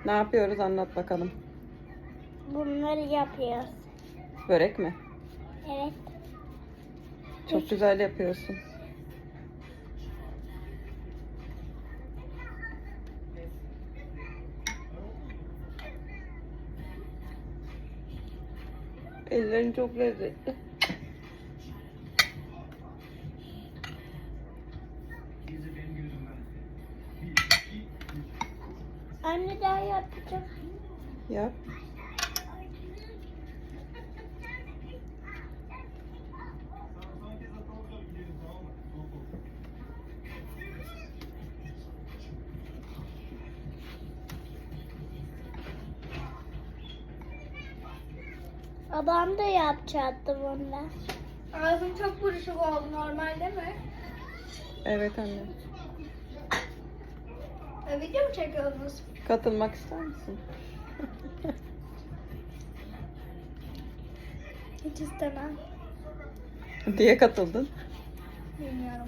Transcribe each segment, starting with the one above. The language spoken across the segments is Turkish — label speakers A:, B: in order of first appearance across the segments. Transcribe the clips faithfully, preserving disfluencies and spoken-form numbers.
A: Ne yapıyoruz, anlat bakalım.
B: Bunları yapıyoruz.
A: Börek mi?
B: Evet.
A: Çok güzel yapıyorsun. Ellerin çok lezzetli.
B: Anne daha yapacağım.
A: Yap.
B: Babam da yapacaktı bundan.
C: Ağzım çok buruşuk oldu, normal değil mi?
A: Evet anne.
C: E, video mu çekiyorsunuz?
A: Katılmak ister misin?
C: Hiç istemem.
A: Diye katıldın.
C: Bilmiyorum.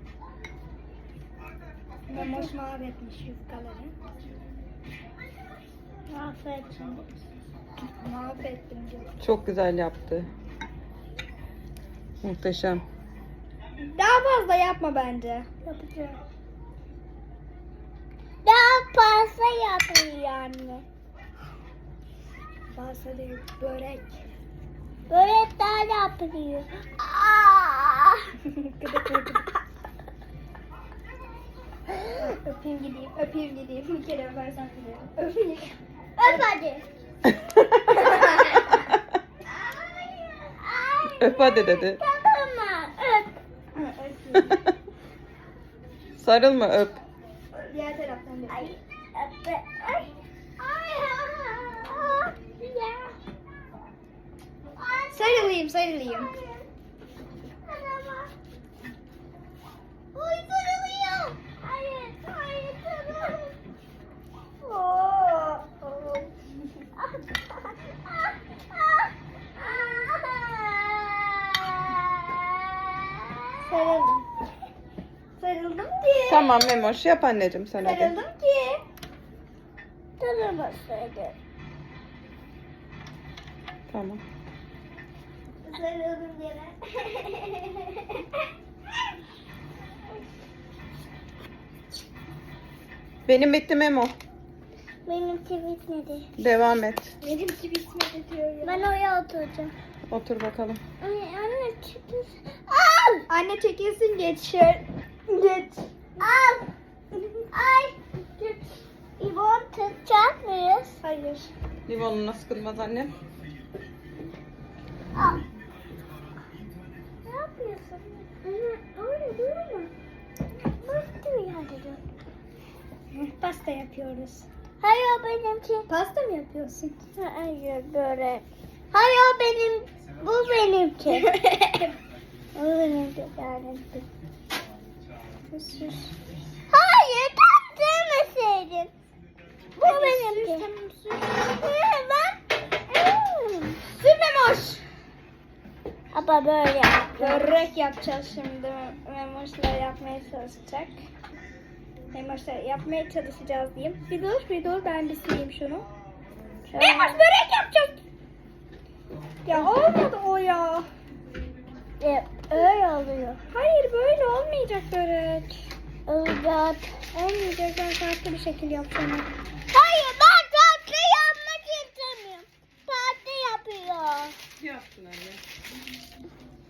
C: Memoş mahvetmiş yufkaları.
B: Affedin.
C: Mahvettim diyor.
A: Çok güzel yaptı. Muhteşem.
C: Daha fazla yapma bence.
B: Yapacağım. Daha fazla yapıyor anne.
C: Fazla değil, börek.
B: Böyle daha yapıyor. Aa!
C: Gıdık gıdık. Öpeyim gideyim, öpeyim gideyim. Bir kere öpersen gidiyorum. Öpeyim.
B: Öp hadi.
A: Öp hadi dedi.
B: Tamam öp.
C: Öpeyim.
A: Sarılma, öp.
C: Diğer taraftan da
B: Ay
C: öpeyim.
B: öp. Ay. Ay. Ay. Ya. Ay.
C: Sarılayım, sarılayım.
B: Oy sarılıyor. Hayır, hayır sarıl.
C: Oo. Sarıldım. Sarıldım ki.
A: Tamam Memoş, yap anneciğim sen hadi.
C: Sarıldım ki.
B: Sarılmasaydı.
A: Tamam.
C: Sarıldım yine.
A: Benim bitti Memo.
B: Benimki bitmedi.
A: Devam et.
C: Benimki bitmedi diyor ya.
B: Ben oraya oturacağım.
A: Otur bakalım.
B: Anne, anne çıkın. Al!
C: Anne çekilsin, geç şöyle. Geç.
B: Al! Ay! İbon tutacak mıyız?
C: Hayır.
A: Limonuna sıkılmaz annem.
B: Al. Ne yapıyorsun? Anne, öyle durma. Bastı bir hadi dur.
C: Pasta yapıyoruz.
B: Hayır o benimki.
C: Pasta mı yapıyorsun?
B: Hayır böyle. Hayır o benim. Bu benimki. Bu benimki. benimki. Hayır tam sevmeseydin. Bu benimki. Hı, ben. Hmm.
C: Sürmemoş.
B: Ama böyle yapıyorum.
C: Börek yapacağız şimdi. Memoşla yapmaya çalışacak. Memoşla yapmaya çalışacağız diyeyim. Bir dur, bir dur. Ben bir sileyim şunu. Memoş börek yapacağız. Ya olmadı o ya.
B: E, öyle oluyor.
C: Hayır, böyle olmayacak börek.
B: Olacak.
C: Olmayacak. Ben farklı bir şekil yapacağım.
B: Hayır ben tatlı yapmak istemiyorum. Tatlı yapıyor.
A: Yaptın anne.